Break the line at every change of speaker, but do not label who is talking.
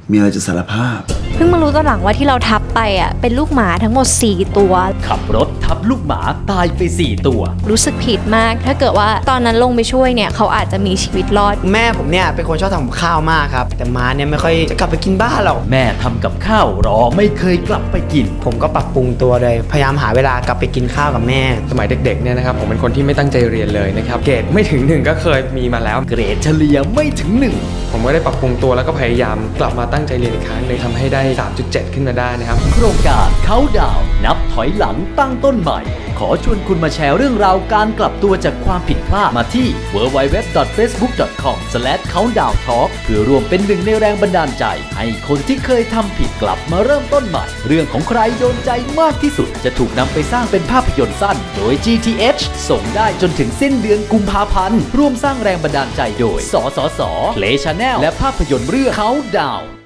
มีอะไรจะสารภาพ
เพิ่งมารู้ตอนหลังว่าที่เราทับไปอ่ะเป็นลูกหมาทั้งหมด4ตัว
ขับรถทับลูกหมาตายไป4ตัว
รู้สึกผิดมากถ้าเกิดว่าตอนนั้นลงไปช่วยเนี่ยเขาอาจจะมีชีวิตรอด
แม่ผมเนี่ยเป็นคนชอบทำกับข้าวมากครับแต่ม้าเนี่ยไม่ค่อยจะกลับไปกินบ้านหรอก
แม่ทำกับข้าวรอไม่เคยกลับไปกิน
ผมก็ปรับปรุงตัวเลยพยายามหาเวลากลับไปกินข้าวกับแม่
สมัยเด็กๆเนี่ยนะครับผมเป็นคนที่ไม่ตั้งใจเรียนเลยนะครับเกรดไม่ถึง1ก็เคยมีมาแล้ว
เกรดเฉลี่ยไม่ถึง1
ผมก็ได้ปรับปรุงตัวแล้วก็พยายามกลับมาตั้งใจเรียนอีกครั้งเลยทำให้ได้ 3.7 ขึ้นมาได้นะครับ
โครงการเขาดาวนับถอยหลังตั้งต้นใหม่ขอชวนคุณมาแชร์เรื่องราวการกลับตัวจากความผิดพลาดมาที่ www.facebook.com/countdowntalk เพื่อรวมเป็นหนึ่งในแรงบันดาลใจให้คนที่เคยทำผิดกลับมาเริ่มต้นใหม่เรื่องของใครโดนใจมากที่สุดจะถูกนำไปสร้างเป็นภาพยนตร์สั้นโดย GTH ส่งได้จนถึงสิ้นเดือนกุมภาพันธ์ร่วมสร้างแรงบันดาลใจโดยสสส Play Channel และภาพยนตร์เรื่องเขาดาว